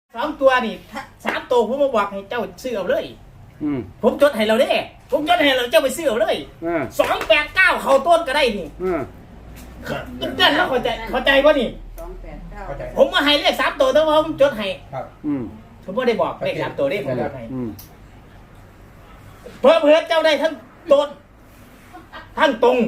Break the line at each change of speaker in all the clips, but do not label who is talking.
2 ตัวนี่3 ตัวผมมาบอกให้เจ้าซื้อเอาเลยผมจดให้เราเด้ผมจดให้เราเจ้าไปซื้อเอาเลย289เข้าต้นก็ได้นี่เจ้าเราเข้าใจป่ะนี่ผมมาให้เลข3 ตัวแต่ว่าผมจดให้ผมไม่ได้บอกเลข3 ตัวได้ผมจดให้เพื่อเจ้าได้ทั้งต้นทั้งตรง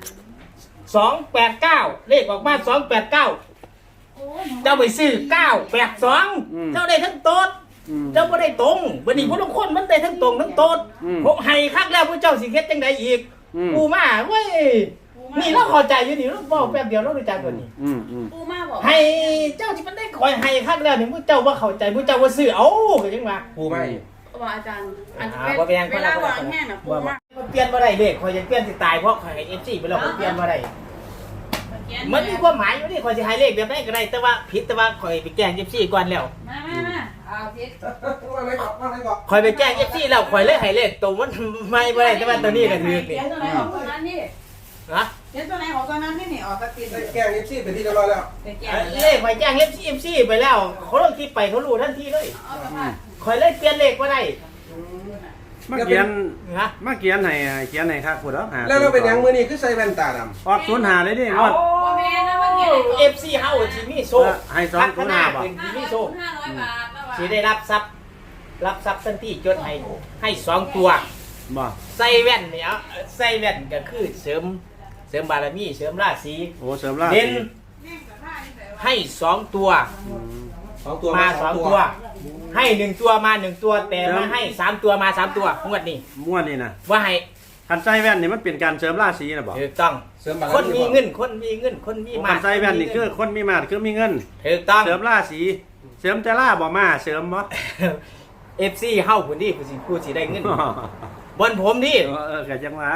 289เลขออกมา289เจ้าไปซื้อ982เจ้าได้ทั้งโต๊ดเจ้าไม่ได้ตรงวันนี้พวกทุกคนมันได้ทั้งตรงทั้งโต๊ดผมให้คักแล้วพวกเจ้าสิเฮ็ดจังไดอีกปูมาเว้ยนี่เราเข้าใจอยู่นี่เราบอกแป๊บเดียวเรารู้จักตัวนี้
ปูมาบอก
ให้เจ้าที่มันได้คอยให้คักแล้วนี่พวกเจ้าว่าเข้าใจพวกเจ้าว่าซื้อเอาก็จังว่า
ปูไม่
ว่าอาจารย์เวลาบอกแห้งนะปูมา
เปลี่ยนบ่ได้เด้คอยจะเปลี่ยนสิตายเพราะคอยให้ FC ไปแล้วเปลี่ยนบ่ได้มันมีความหมายอยู่นี่คอยจะให้เลขแบบไหนก็ได้แต่ว่าผิดแต่ว่าคอยไปแกล้ง FC ก่อนแล้ว
มาเอาผิด
คอยไปแกล้ง FC แล้วคอยเลยให้เลขตัวมันไม่บ่ได้แต่ว่าตัวนี้ก็ถือนี่
เขียนตัวไหนของตัวนั้นนี่
ฮะ
เขียนตัวไหนของตัวนั้นนี่ออกกระติน
แกงFCเป็นที่เรียบร้อยแล้ว
เลขคอยแจ้ง FC ไปแล้วเขาลงคลิปไปเขารู้ทันทีเลยคอยเลยเปลี่ยนเลขบ่ได้
มาเขียนให้ครับพูดแล้ว
แล้วเราเป็นยังมือนี่คือใส่แว่นตาดำ
ออก05เลยดิงวด
FC เฮาสิมีโซ่
ให้205บ่
สิมีโซ่
500 บาท
สิได้รับทรัพย์ทันทีจดให้2 ตัว
บ่
ใส่แว่นเนี่ยใส่แว่นก็คือเสริมบารมีเสริมราศี
โอ้เสริมราศี
เด่นให้2 ตัวมา2 ตัวให้1 ตัวมา1 ตัวแต่มาให้3 ตัวมา3 ตัวงวดนี้
นะ
ว่าให้
คันใส่แว่นนี่มันเป็นการเสริมราศีนะบ่
ถูกต้องคนมีเงินคนมีมา
คันใส่แว่นนี่คือคนมีมาคือมีเงิน
ถูกต้อง
เสริมราศีเสริมแต่ล่าบ่มาเสริมบ่
FC เฮาพุ่นนี่ผู้สิได้เงินบนผมนี่
ก็จังว่า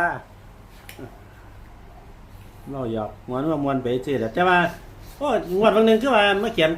เราหยอกมวนไปซื่อแต่ว่าโอ้งวดบางนึงคือว่ามาเขียน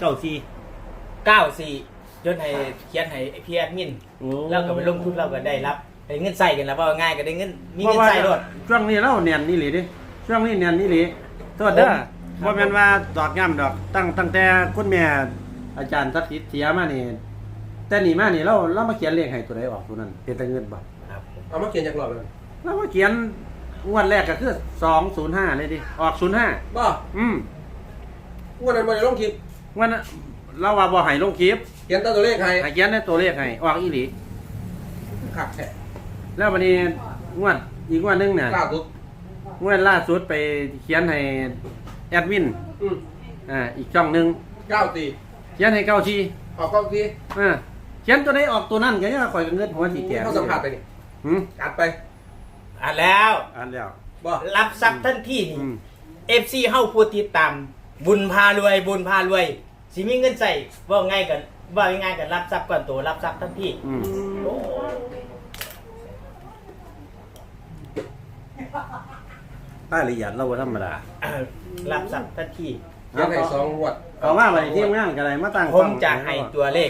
94จนให้เขียนให้พี่แอดมินแล้วก็ไปลงทุนเราก็ได้รับได้เงินใส่กันแล้วว่าง่ายก็ได้เงินมีเงินใส่ด้วย
ช่วงนี้เราเนียนนี่หลีดิช่วงนี้เนียนนี่หลีโทษเด้อบ่แม่นว่าดอกย่ำดอกตั้งแต่คุณแม่อาจารย์ทักษิณเสียมานี่แต่นี่มานี่เรามาเขียนเลขให้ตัวใดออกตัวนั้นเป็นแต่เงินบ่
ครับ
เอามาเขียนจากหลอดเลย
เรามาเขียนงวดแรกก็คือ205เลยดิออก05
บ่งวดนั้นบ่ได้ลงคลิป
งวดนั้นเราว่าบ่ให้ลงคลิป
เขียนตัวเลขให้
เขียนในตัวเลขให้ออกอีหลี
ขักแท้
แล้ววันนี้งวดอีกงวดนึงน่ะงวดล่าสุดไปเขียนให้แอดมินอีกช่องนึง
94
เขียนให้94
ออก94
เขียนตัวไหนออกตัวนั้นก็ยังข่อยเงินหัวสิแก่
เขาสัมผัสไปนี่อัดไป
อัดแล้ว
บ่
รับทรัพย์ทันทีนี่ FC เฮาผู้ติดตามบุญพารวยสิมีเงินใส่ว่าง่ายกันรับทรัพย์ก่อนตัวรับทรัพย์ทันที
รายละเอียดเราบ่ธรรมดา
รับทรัพย์ทันที
ยังให้2งวด
เอาว่าไปที่งานก็ได้มาตั้ง
ผมจะให้ตัวเลข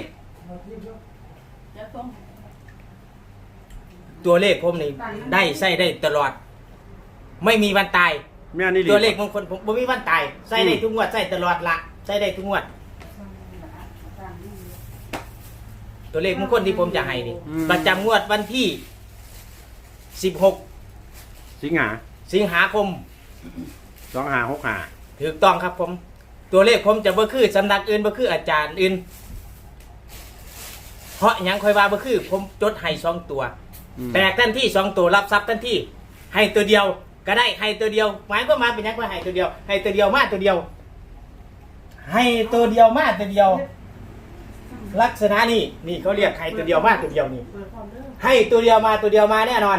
ผมนี่ได้ใช้ได้ตลอดไม่มีวันตายตัวเลขมงคลผมบ่มีวันตายใช้ได้ทุกงวดใช้ตลอดละใช้ได้ทุกงวดตัวเลขมงคลที่ผมจะให้นี่ประจำงวดวันที่16สิงหาคม
2565
ถูกต้องครับผมตัวเลขผมจะบ่คือสำนักอื่นบ่คืออาจารย์อื่นเพราะหยังค่อยว่าบ่คือผมจดให้2 ตัวแตกทันที2 ตัวรับทรัพย์ทันทีให้ตัวเดียวก็ได้ให้ตัวเดียวหมายก็มาเป็นหยังว่าให้ตัวเดียวให้ตัวเดียวมาตัวเดียวให้ตัวเดียวมาตัวเดียวลักษณะนี่เขาเรียกให้ตัวเดียวมาตัวเดียวนี่ให้ตัวเดียวมาแน่นอน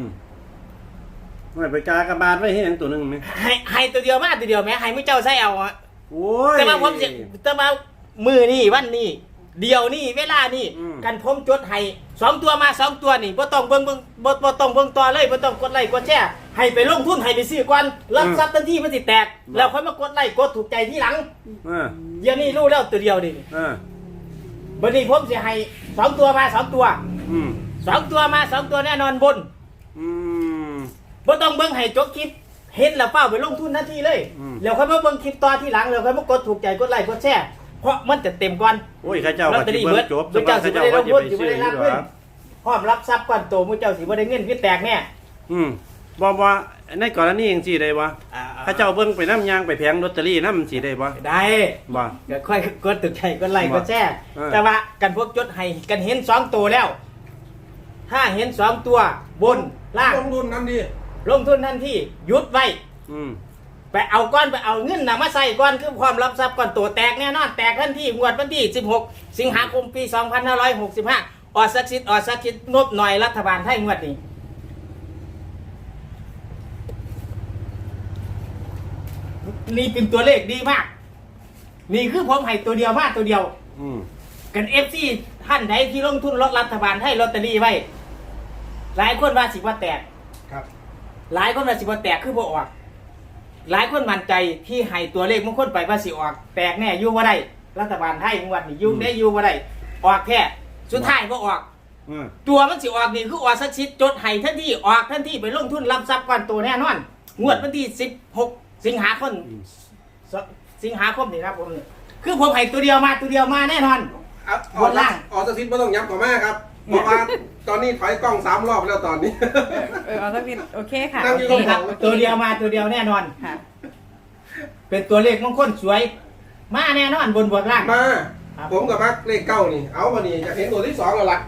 ไม่ไปกากบาทไว้ให้หยังตัวนึงมั้ย
ให้ตัวเดียวมาตัวเดียวแม้ให้มื้อเจ้าใส่เอา
โอ้ย
แต่มาผมสิแต่มามื้อนี้วันนี้เดียวนี่เวลานี่กันผมจดให้2 ตัวมา2 ตัวนี่บ่ต้องเบิ่งบ่ต้องเบิ่งต่อเลยบ่ต้องกดไลค์กดแชร์ให้ไปลงทุนให้ไปซื้อก่อนรับทรัพย์ทันทีมันสิแตกแล้วค่อยมากดไลค์กดถูกใจทีหลังเดี๋ยวนี้รู้แล้วตัวเดียวนี่บัดนี้ผมสิให้2 ตัวมา2 ตัว2 ตัวมา2 ตัวแน่นอนบนบ่ต้องเบิ่งให้จบคลิปเห็นแล้วเฝ้าไปลงทุนทันทีเลยแล้วค่อยมาเบิ่งคลิปต่อทีหลังแล้วค่อยมากดถูกใจกดไลค์กดแชร์เพราะมันจะเต็มก่อน
โอ้ยข้าเจ้า
ลอ
ก็
ตเตอ
สิ
รี่
เบิ่
เบิ
ง
ด
จบ
พระเจ้าสิบ่ได้ลงทุนสิบ่ได้รับเงิน
หรอ
พร้อมรับทรัพย์ก้อนโตพระเจ้าสิบ่ได้เงินคือแตกแน่
บ่ในกรณีจังซี่ได้บ่ข้าเจ้าเบิ่งไปนำยางไปแผงลอตเตอรี่นำสิได้บ่
ได้
บ่
ก็ค่อยกดตึกใจกดไลค์กดแชร์
เออ
แต่ว่ากันพวกจดให้กันเห็น2ตัวแล้ว ถ้าเห็น2ตัวบนล่าง
ลงทุนนั่นดี
ลงทุนทันทีหยุดไว้ ไปเอาก้อนไปเอาเงินนะมาใส่ก้อนคือความรับทรัพย์ก้อนตัวแตกแน่นอนแตกทันทีงวดวันที่16 สิงหาคมปี 2565ออดสักชิดงบหน่อยรัฐบาลไทยงวดนี้นี่เป็นตัวเลขดีมาก นี่คือผมให้ตัวเดียวมากตัวเดียวกันFC ท่านใดที่ลงทุนรถรัฐบาลไทยลอตเตอรี่ไว้หลายคนว่าสิว่าแตก
ครับ
หลายคนว่าสิว่าแตกคือบ่ออก หลายคนมั่นใจที่ให้ตัวเลขมงคลไปว่าสิออกแตกแน่อยู่บ่ได้รัฐบาลไทยงวดนี้อยู่ได้อยู่บ่ได้ออกแค่สุดท้ายบ่ออกตัวมันสิออกนี่คือออกสักชิดจดให้ทันทีออกทันทีไปลงทุนรับทรัพย์ก้อนโตแน่นอนงวดวันที่16 สิงหาคมนี่ครับผมนี่คือผมให้ตัวเดียวมาแน่นอน บนล่าง
ออกสถิตไม่ต้องย้ำกว่าแม่ครับเพราะว่าตอนนี้ถอยกล้อง3 รอบแล้วตอนนี้
เอาสักนิดโอเคค่ะ
นั่งอยู่
นี่ครับตัวเดียวแน่นอน
ค่ะ
เป็นตัวเลขมงคลสวย มาแน่นอนบนล่าง
มา
ครับ
ผมกับมักเลขเก้านี่ เอาวันนี้จะเห็นตัวที่2แล้วล่ะ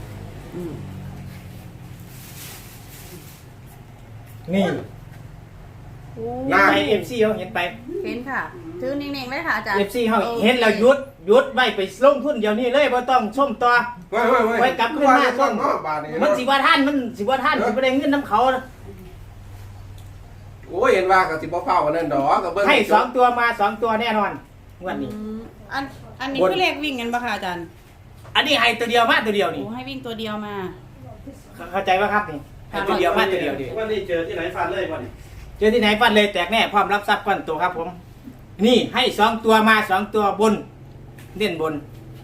นี่
หน้า
ไป FC เขาเห็นไป
เห็นค่ะถือนิ่งๆเลยค่ะอาจารย์
FC เขาเห็นแล้วหยุดไว้ไปลงทุนเดี๋ยวนี้เลยบ่ต้องชมต่อ ไว้กลับขึ้นมา
ต้นเนาะบาทนี่
มันสิว่าท่านสิบ่ได้เงินน้ำเขา
โอ้ยเห็นว่ากับสิบ่เฝ้าวันนั้นดอกกับเบิ้ง
ให้2 ตัวมา2 ตัวแน่นอนงวดนี้
อันนี้
บน
คือเลขวิ่งกันปะคะอาจารย์
อันนี้ให้ตัวเดียวมาตัวเดียวนี่
โอ้ให้วิ่งตัวเดียวมา
เข้าใจป่ะครับนี่ให้ตัวเดียวมาตัวเดียวดิ
วันนี้เจอที่ไหนฟาดเลยวันนี้
เจอที่ไหนฟันเลยแตกแน่พร้อมรับทรัพย์ก้อนโตครับผม นี่ให้2 ตัวมา2 ตัวบนเน้นบน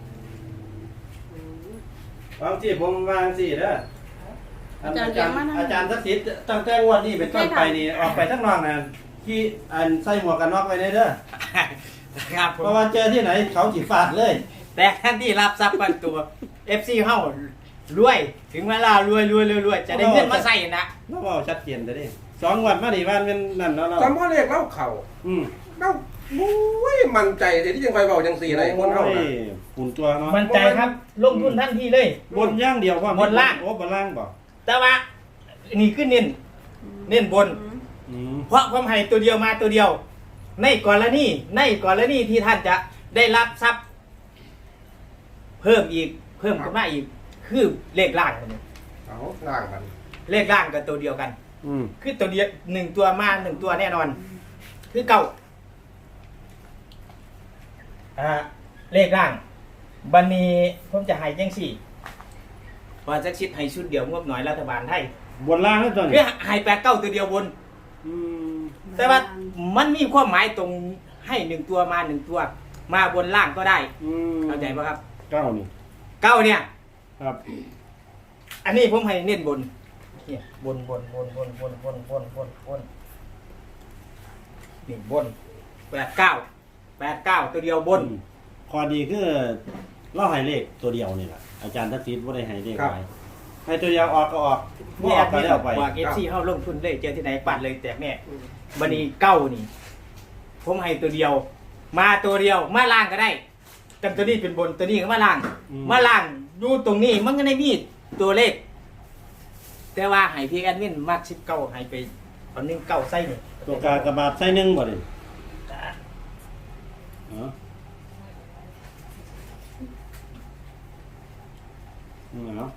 บางที่ผมวางสิเด้ออาจารย์ทักษิณตั้งแต่งวดนี้เป็นต้นไปนี่ออกไปทั้งนอกนะที่อันใส่หมวกกันน็อกไว้เด้อ
ครับผ
เพ
ม
ราะว่าเจอที่ไหนเขาสิฟาดเลย
แต่ท่านที่รับทรัพย์ก้อนตัว FC เฮารวยถึงเวลารวยจะได้เงินมาใส่นะ
เราเอาชัดเจนแต่ดิ2 วันมานี่วันเป็นนั่นเนาะเรา
จำว่าเลขเล่าเข่า
อืม
เล่าโอ้ยมั่นใจแต่ที่ยังไฟเบาจังสี่ไรคนเฮาน่ะ
ฝุ่นตัวเนาะ
มั่นใจครับลงทุนทันทีเลย
บนย่างเดียวว่า
บนล่าง
โอ้บนล่างบ่
แต่ว่านี่คือเน้นบน เพราะความให้ตัวเดียวมาตัวเดียว ในกรณีที่ท่านจะได้รับทรัพย์ เพิ่มขึ้นมาอีก คือเลขล่างกัน
เอาล่างมัน
เลขล่างกับตัวเดียวกัน คือตัวเดียว1 ตัวมา1 ตัวแน่นอน คือเก่าเลขล่างบันนี้ผมจะให้จังสี่พอจะชิดให้ชุดเดียวงบหน่อยรัฐบาลไทย
บนล่างนั่นตัว
คื
นี้
อให้8 9ตัวเดียวบน แต่ว่ามันมีความหมายตรงให้1 ตัวมา1 ตัว มาบนล่างก็ได้เข้าใจปะครับ
9นี่
เก้าเนี่ย
ครับ
อันนี้ผมให้เน้นบนเนี่ยบนนี่บน8 9ตัวเดียวบน
ข้อดีคือเราให้เลขตัวเดียวนี่แหละอาจารย์ทักษิณบ่ได้ให้เลขหลายให้ตัวเดียวออกก็ออกบ่
นี่
อ
แอ
อก
บ
ก็
นี้
แล้วไป
ว่าเอฟซีเข้าลงทุนเลยเจอที่ไหนปัดเลยแตกแน่บันนี้เก้านี่ ผมให้ตัวเดียว มาตัวเดียวมาล่างก็ได้แต่ตัวนี้เป็นบนตัวนี้ก็มาล่าง มาล่างดูตรงนี้มันก็ได้มีตัวเลข แต่ว่าให้พี่แอดมินมาก19ให้ไปตอนนึงเก้าไส้นี่
ตัวกากระบาดใส่หนึ่งบ่ดิเนาะ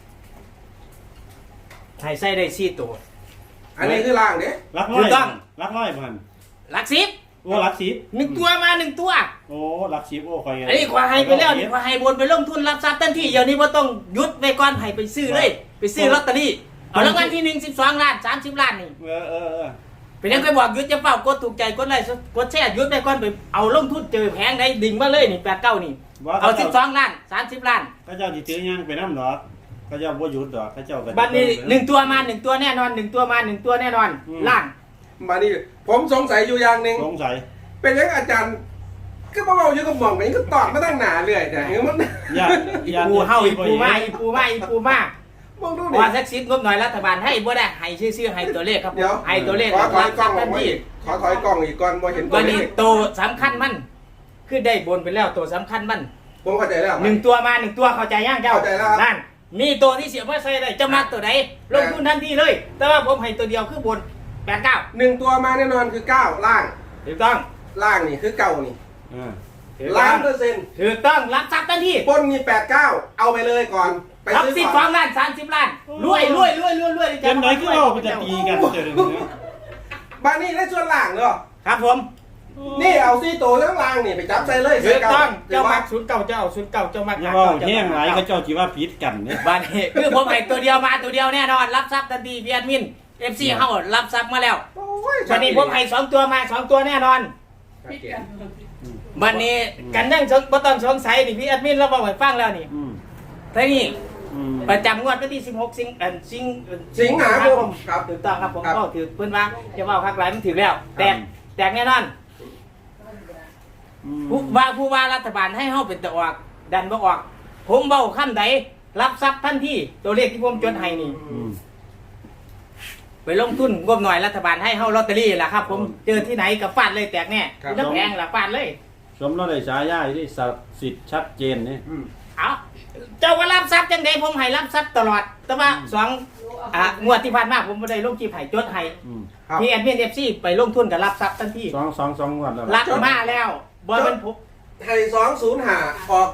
ให้ไส้ได้4ตัว
อันนี้คือล่างเด้
รักร้
ถู
อย
กต้อง
รักร้อยพัน
หลัก10
โอ้รักสิบ
1 ตัวมา1 ตัว
โอ้รักสิบโอ้คอย
อันนี้ขวาให้ไปแล้วนี่ขวาให้บนไปลงทุนรับทรัพย์ทันทีเดี๋ยวนี้ว่าต้องหยุดไว้ก่อนให้ไปซื้อเลย ไปซื้อลอตเตอรี่เอารางวัลที่1 12 ล้าน30 ล้านนี่
เออ
เป็นยังเคยบอกหยุดจะเฝ้ากดถูกใจกดไลค์กดแชร์หยุดไว้ก่อนไปเอาลงทุนเจอแพงได้ดิ่งมาเลยนี่89นี่เอา12 ล้าน30 ล้าน
ก็เจ้าสิถือย่างไปน้ำดอกก็เจ้าบ่หยุดดอกก็เจ้าก็
บัดนี้1 ตัวมา1 ตัวแน่นอน1 ตัวมา1 ตัวแน่นอนล่าง
มานี่ผมสงสัยอยู่อย่างหนึ่ง
สงสัย
เป็นยังอาจารย์ก็มาเอาอยู่กับหม่องไปก็ตอดมาตั้งหนาเรื่อยแต่เฮ้ยมัน
อย่า
อีปูเฮาอีปูมาอีปูมาอีปูมา
มองดู
ว่า
ดิ
สักสิบงบหน่อยรัฐบาลให้บ่ได้ให้ชื่อให้ตัวเลขครับผม
เดี๋ยว
ให้ตัวเลข
ขอถอยกล้องอ
ทั
อก
น
มา
ที
อีกขอถอยกล้องอีกก่อนบ่เห็นตัว
วัน
เล
นี้
ข
ตัวสำคัญมันคือได้บนไปแล้วตัวสำคัญมัน
ผมเข้าใจแล้ว
หนึ่งตัวมาหนึ่งตัวเข้าใจย่างเจ้า
เข้าใจแล้วครับ
นั่นมีตัวที่เสียบว่าใส่ได้จะมาตัวไหนลงทุนทันทีเลย แต่ว่าผมให้ตัวเดียวคือบน89
1ตัวมาแน่นอนคือ9ล่าง
ถูกต้อง
ล่างนี่คือเก่านี่
ถูก
ล้า
ต้อน ง
เปอร์เซ็นต์
ถูกต้องรับทรัพย์ทันที
ปล้นมี89เอาไปเลยก่อนไป
รับ
ซื้อ
12
ก่อน
ล้าน30 ล้านรวยรวยรวยรวยรวย
เกมไหนคือเรามันจะตีกันเจอเลยนะ
บ้านนี้ได้ส่วนล่างเนาะ
ครับผม
นี่เอาซี่โตทั้งล่างนี่ไปจับใส่เลย
ถูกต้อง
เจ้า
เจ้า
มา
มักศูนย์เก่าเจ้าศูนย์เก่าเจ้ามัก
อย่าว่าแห้งหลายก็เจ้าจีว่าผิดกันเนี่ย
บ้านนี้คือผมให้ตัวเดียวมาตัวเดียวแน่นอนรับทรัพย์ทันทีพี่แอดมิน FC เฮารับทรัพย์มาแล้ว
โอ้ย
วันนี้ผมให้2ตัวมา2ตัวแน่นอน
พิดกัน
วันนี้กันนั่งบ่ต้องสงสัยนี่พี่แอดมินเราบอกให้ฟังแล้วนี่ทีนี้ประจำงวดวันที่16สิงหาคม
ครับ
ถูกต้องครับผมก็ถือเพิ่นว่าจะว่าคักหลายมันถือแล้วแตกแน่นอนผู้ว่ารัฐบาลให้เฮาเป็นตะออกดันบ่ออก ผมเว้าคำใดรับทรัพย์ทันทีตัวเลขที่ผมจดให้นี่ไปลงทุนงบหน่อยรัฐบาลให้เฮาลอตเตอรี่ล่ะครับผมเจอที่ไหนก็ฟาดเลยแตกแน่น้ำแพงล่ะฟาดเลย
สมเราได้ฉายาที่ศักดิ์สิทธิ์ชัดเจนนี่
เอาเจ้าว่ารับทรัพย์จังไดผมให้รับทรัพย์ตลอด แต่ว่างวดที่ผ่านมาผมบ่ได้ลงคลิปให้จดให้
ครับ
พี่แอดมิน FC ไปลงทุนกับรับทรัพย์ทันที
สองงวดแล้ว
รับมาแล้วบ่มันผม
ให้205ออก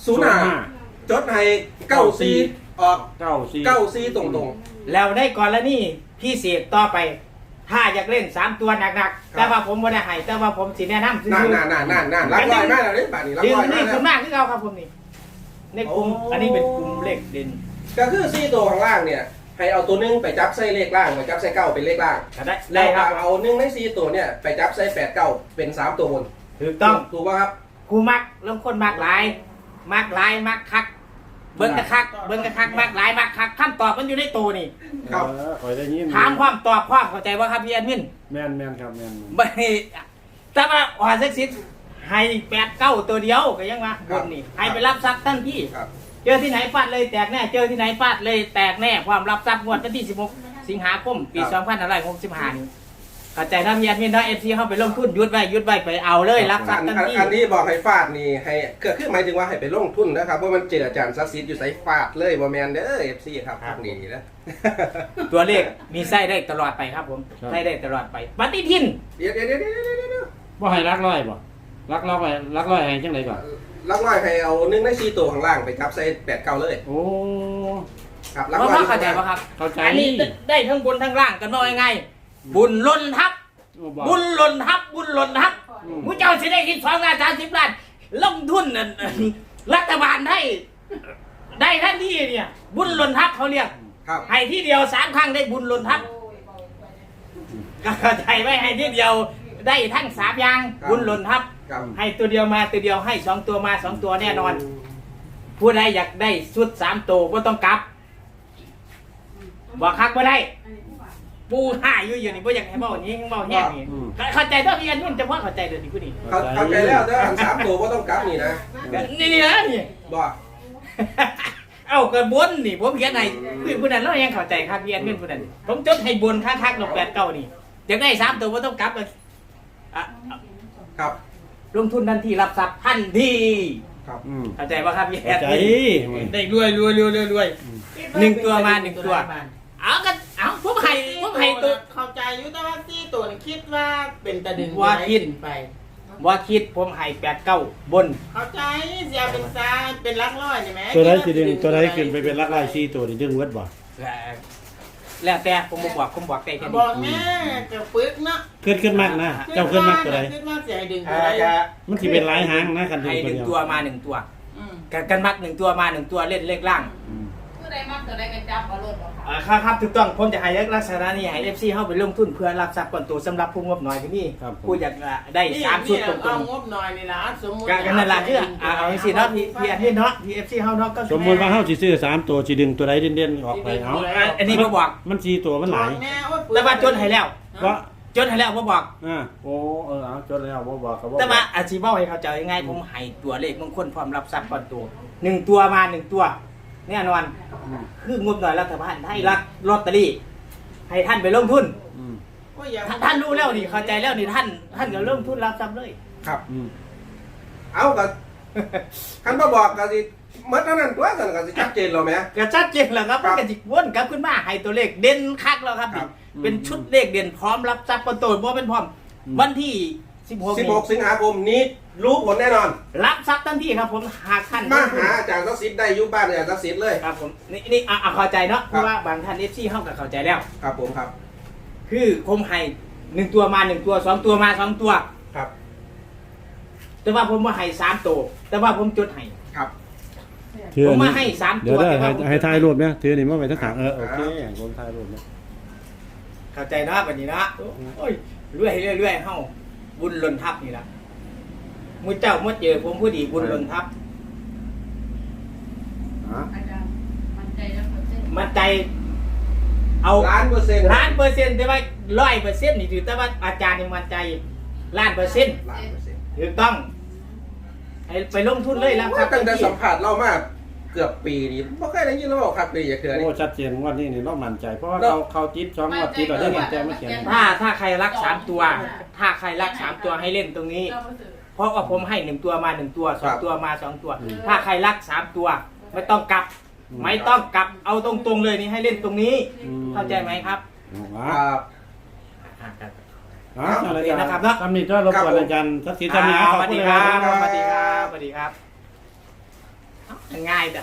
05จดให้94ออก
94
94ตรง
แล้วได้ก่อนแล้วนี่พี่เสกต่อไป ถ้าอยากเล่น3ตัวหนักๆแต่ว่าผมบ่ได้ให้แต่ว่าผมสิแนะนำ
ๆนั่นรักลอยมากแล้วนี่บาดนี้รัก
ดึง
ลอยมา
นี่
กแล้
คุ
ว
ณมากคือเอาครับผมนี่ในกลุ่มอันนี้เป็นกลุ่มเลขเด่น
ก็คือซี่ตัวข้างล่างเนี่ยให้เอาตัวนึงไปจับใส่เลขล่างไปจับใส่เก้าเป็นเลขล่าง
ได้
แล้
ได้
ว
ครับ
เอา1ใน4ตัวเนี่ยไปจับใส่8 9เป็น3ตัวบน
ถูกต้อง
ถูกป่ะครับ
กูมักลงคนมักหลายมักคักเบิ่งกะคักมักหลายมักคักคำตอบมันอยู่ในตัวนี่
ครับ
คอยได้ยิน
ถามความตอบความเข้าใจว่าครับพี่แอดมิน
แม่นครับแม่น
ไม่แต่ว่าออเซ็กซิสให้8-9ตัวเดียวก็ยังว่าบนนี่ให้ไปรับทรัพย์ทันที
ครับ
เจอที่ไหนฟาดเลยแตกแน่เจอที่ไหนฟาดเลยแตกแน่ความรับทรัพย์งวดวันที่16สิงหาคมปี2565นี่เข้าใจนะพี่แอดมินนะ FC เข้าไปลงทุนยุดไว้ไปเอาเลยรับทรัพย์ทันที
อันนี้บอกให้ฟาดนี่ให้เกิดขึ้นหมายถึงว่าให้ไปลงทุนนะครับว่ามันเจออาจารย์ซักซีดอยู่ใส่ฟาดเลยบ่แมนเด้อ FC ครับพวกนี้นะ
ตัวเลขมีไส้ได้ตลอดไปครับผมไส้ได้ตลอดไปปฏิทิน
เดี๋ยว
บ่ให้รักร้อยบ่รักร้อยให้จังไดก่อน
ลักน้อยให้เอา1ใน4ตัวข้างล่างไปจับใส่8 9เลย
โอ้
ครับลัก
ว่า
น้อย
เข้าใจป่ะครับ
เข้าใจ
อันนี้ได้ทั้งบนทั้งล่างกันว่ายังไงบุญล้นทับบุญล้นทับผู้เจ้าสิได้คิด2 ล้าน30 ล้านลงทุนนั่นรัฐบาลได้ทันทีเนี่ยบุญล้นทับเขาเรียก
ครับ
ให้ที่เดียว3 ครั้งได้บุญล้นทับก็เข้าใจไว้ให้ที่เดียวได้ทั้ง3 อย่างบุญล้นทับ
ครับ
ให้ตัวเดียวมาตัวเดียวให้2 ตัวมา2 ตัวแน่นอน ผู้ใดอยากได้ชุด3 ตัวก็ต้องกลับบอกคักบ่ได้ปูห่าอยู่นี่บ่อยากให้เว้าอย่างนี้เว้าแห้งนี่เข้าใจตัวพี่อันนุ่นจะพอเข้าใจเด้อนี่ผู้นี้
เข้าใจแล้วแต่อัน3ตัวบ่ต้องกลับนี่นะ
นี่นะนี่
บ่
เอ้าก็บนนี่ผมเขียนให้คือผู้นั้นเรายังเข้าใจครับพี่อันนุ่นผู้นั้นผมจดให้บนคักๆลง89นี่อยากได้3 ตัวบ่ต้องกลับเลยอ่ะ
ครับ
ลงทุนทันทีรับทรัพย์ทันที
ครับ
เข้าใจป่ะครับพี่แอ
เข้า
ด
ใจ
ได้รวย1 ตัวมา1 ตัวเอากันเอาผมให้ตัว
เข้าใจอยู่แต่ว่าที่ตัวนี่คิดว่าเป็นตะดึง
ว่าคิด
ไป
ว่าคิดผมให้89บน
เข้าใจเสียเป็นซาเป็นลักร้อยใช่ไหม
ตัวใดสิดึงตัวใดขึ้นไปเป็นรักร้อย4ตัวนี่ดึงเวิดบ่
แล้วแต่ผมบอกได้แค่นี้
บอกแม่จะปึกเนาะ
ขึ้นมากนะเจ้าขึ้นมากตัวใด
ขึ้นมากเสียให้ดึงตัวใด
มันสิเป็นหลายหางนะคันดึง
ให้
ตัว
1
เดียว
ตัวมา1 ตัว
อืม
กันมัก1 ตัวมา1 ตัวเล่นเลขล่าง
คือได้มากตัวได้กันจับเอารถบ่ค่ะ
ครับถูกต้องผมจะให้ลักษณะนี้ให้ FC เข้าไปลงทุนเพื่อรับทรัพย์ก่อนตัวสำหรับผู้งบน้อยที่นี่ผู้อยากได้3 ชุดตร
เอา
ง
งบหน่อยนี่นะสมมุติ
ๆกันนั่นล่ะคือเอาสิเนาะพี่อันนี้เนาะพี่ FC เฮาเนาะก็
สมมุติว่าเฮาสิซื้อ3ตัวสิดึงตัวใดเด่นๆออกไปเอา
อันนี้บ่บอก
มัน4ตัวมันหลาย
แม่โอ๊ย
แต่ว่าจดให้แล้ว
ว่า
จดให้แล้วบ่บอก
โอ้เอาจดแล้วบ่บอกก็บ่
แต่ว่าอาชีพเว้าให้เข้าใจง่ายๆผมให้ตัวเลขมงคลพร้อมรับทรัพย์ก่อนตัว1ตัวมา1ตัวแน่นอนคืองบหน่อยรัฐบาลให้รักลอตเตอรี่ให้ท่านไปลงทุนท่านรู้แล้วนี่เข้าใจแล้วนี่ท่านก็ลงทุนรับทรัพย์เลย
ครับเอาก็คันบ่บอกก็สิหมดเท่านั้นตัวกันก็สิชัดเจนแล้วแหม
ก็ชัดเจนแล้วครับมันก็สิวนกลับขึ้นมาให้ตัวเลขเด่นคักแล้วครับ
ครับ
เป็นชุดเลขเด่นพร้อมรับทรัพย์ก่อนตัวบ่เป็นพร้อมวันที่16นี้
16 สิงหาคมนี้รู้ผลแน่นอน
รับทรัพย์ทันทีครับผมหากท่าน
มาหาอาจารย์ศักดิ์สิทธิ์ได้อยู่บ้านอาจารย์ศักดิ์สิทธิ์เลย
ครับผมนี่เข้าใจเนาะเพราะว่าบางท่าน FC เฮาก็เข้าใจแล้ว
ครับผมครับ
คือผมให้1ตัวมา1ตัว2ตัวมา2ตัว
ครับ
แต่ว่าผมมาให้3ตัวแต่ว่าผมจดให้
ครับ
ผมมาให้3
เดี๋
ตั
ยว
ว
ได้
แต่ว่าผม
ให้ถ่ายรูปเนี่ยถือนี่มาไว้ทั้งขางโอเคผมถ่ายรูปเนี่ย
เข้าใจเนาะบัดนี้เนาะโอ้ยเรื่อยเฮาบุญหล่นทับนี่ล่ะมื้อเจ้ามาเจอผมผู้ดีบุญหล่นทับ
อาจารย์มั่นใจแล้วเปอร์เซ็นต์
มันใจเอา
ล้านเปอร์เซ็นต์
ล้านเปอร์เซ็นต์แต่ว่า100%นี่ถือแต่ว่าอาจารย์นี่มันใจล้านเปอร์เซ็นต์
ล้านเปอร์เซ็นต์
ถูกต้องให้ไปลงทุนเลยแล้วครับ
ตั้งแต่สัมผัสเรามาเกือบปีนี้บ่เคยได้ยินเราบอกครับปีอย่าเกิน
โอ้ชัดเจนวันนี้นี่เรามั่นใจเพราะว่าเขาจิต2งวดจิตเราได้มั่นใจมาเขียน
ถ้าใครรัก3ตัว ถ้าใครรัก3ตัวให้เล่นตรงนี้ เพราะว่าผมให้1ตัวมา1ตัว2ตัวมา2ตัว ถ้าใครรัก3ตัวไม่ต้องกลับ ไม่ต้องกลับเอาตรงๆเลยนี่ให้เล่นตรงนี้ เข้าใจไหมครับ
ครับ
อะไรกันนะครับเนาะทำนี่ก็รบกวนอาจารย์ทักษิณทำนี่
สวัสดีครับสวัสดีครับสวัสดีครับง่ายแต่